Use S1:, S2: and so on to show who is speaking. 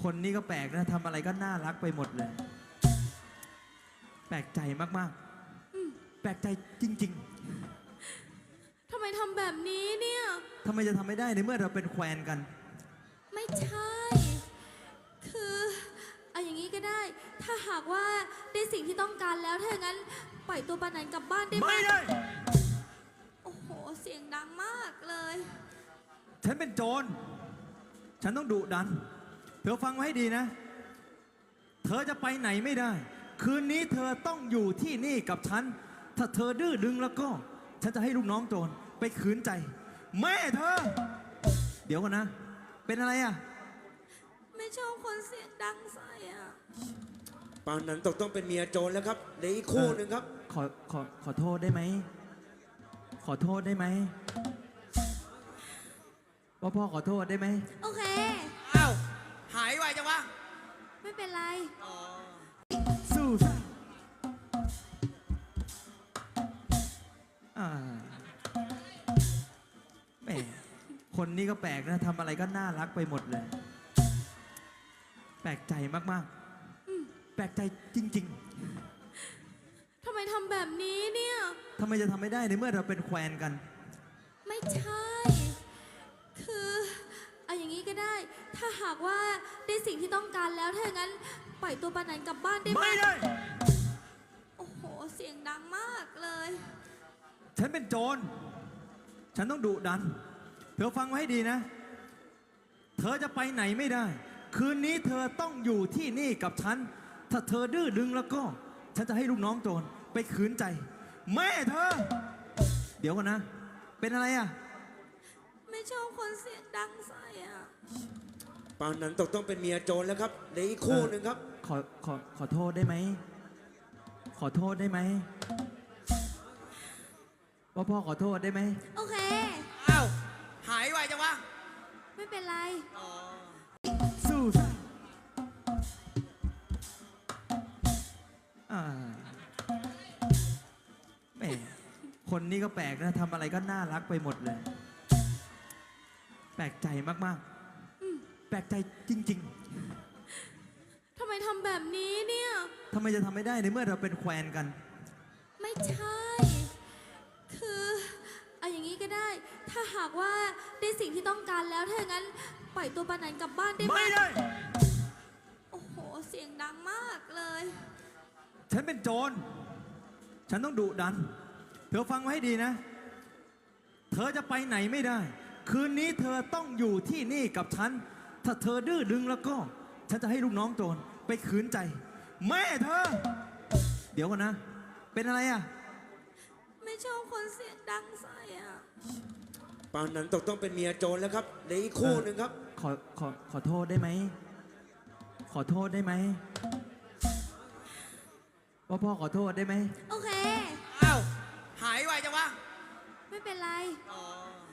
S1: คนนี้ก็แปลกนะทำอะไรก็น่ารักไปหมดเลยแปลกใจมากๆแปลกใจจริง
S2: ทำไมทำแบบนี้เนี่ย
S1: ๆทำไมจะทำไม่ได้ในเมื่อเราเป็นแควนกัน
S2: ไม่ใช่คือเอาอย่างนี้ก็ได้ถ้าหากว่าได้สิ่งที่ต้องการแล้วถ้าอย่างนั้นปล่อยตัวปานันกลับบ้านได้ไหม
S1: ไม่ได้
S2: โอ้โหเสียงดังมากเลย
S1: ฉันเป็นโจรฉันต้องดุดันเธอฟังไว้ให้ดีนะเธอจะไปไหนไม่ได้คืนนี้เธอต้องอยู่ที่นี่กับฉันถ้าเธอดื้อดึงแล้วก็ฉันจะให้ลูกน้องโจรไปขืนใจแม่เธอเดี๋ยวก่อนนะเป็นอะไรอ่ะ
S2: ไม่ชอบคนเสียงดังใส่อ่ะ
S3: ปานนั้นต้องเป็นเมียโจรแล้วครับเหลืออีกคู่หนึ่งครับ
S1: ขอโทษได้ไหมขอโทษได้ไหมว่าพ่อขอโทษได้ไหม
S2: โอเค
S3: อ้าวหายไวจังวะ
S2: ไม่เป็นไร
S1: สู้แหมคนนี้ก็แปลกนะทำอะไรก็น่ารักไปหมดเลยแปลกใจมากๆแปลกใจจริง
S2: ทำไมทำแบบนี้เนี่ย
S1: ๆทำไมจะทำไม่ได้ในเมื่อเราเป็นแควนกัน
S2: ไม่ใช่คือเอาอย่างนี้ก็ได้ถ้าหากว่าได้สิ่งที่ต้องการแล้วถ้าอย่างนั้นปล่อยตัวปานันกลับบ้านได้ไหม
S1: ไม่ได้
S2: โอ้โหเสียงดังมากเลย
S1: ฉันเป็นโจรฉันต้องดุดันเธอฟังไว้ให้ดีนะเธอจะไปไหนไม่ได้คืนนี้เธอต้องอยู่ที่นี่กับฉันถ้าเธอดื้อดึงแล้วก็ฉันจะให้ลูกน้องโจรไปขืนใจแม่เธอเดี๋ยวก่อนนะเป็นอะไรอ่ะ
S2: ไม่ชอบคนเสียงดังใส่อ่ะ
S3: ปานนั้นต้องเป็นเมียโจรแล้วครับเหลืออีกคู่หนึ่งครับ
S1: ขอโทษได้ไหมขอโทษได้ไหมว่าพ่อขอโทษได้ไหม
S2: โอเค
S3: อ้าวหายไวจังวะ
S2: ไม่เป็นไร
S1: สู้แหมคนนี้ก็แปลกนะทำอะไรก็น่ารักไปหมดเลยแปลกใจมากๆแปลกใจจริง
S2: ทำไมทำแบบนี้เนี่ย
S1: ๆทำไมจะทำไม่ได้ในเมื่อเราเป็นแควนกัน
S2: ไม่ใช่คือเอาอย่างนี้ก็ได้ถ้าหากว่าได้สิ่งที่ต้องการแล้วถ้าอย่างนั้นปล่อยตัวปานันกลับบ้านได้ไหม
S1: ไม่ได้
S2: โอ้โหเสียงดังมากเลย
S1: ฉันเป็นโจรฉันต้องดุดันเธอฟังไว้ให้ดีนะเธอจะไปไหนไม่ได้คืนนี้เธอต้องอยู่ที่นี่กับฉันถ้าเธอดื้อดึงแล้วก็ฉันจะให้ลูกน้องโจรไปขืนใจแม่เธอเดี๋ยวก่อนนะเป็นอะไรอ่ะ
S2: ไม่ชอบคนเสียงดังใส่อ่ะ
S3: ปานนั้นต้องเป็นเมียโจรแล้วครับเหลืออีกคู่หนึ่งครับ
S1: ขอโทษได้ไหมขอโทษได้ไหมว่าพ่อขอโทษได้ไหม
S2: โอเค
S3: อ้าวหายไวจังวะ
S2: ไม่เป็นไร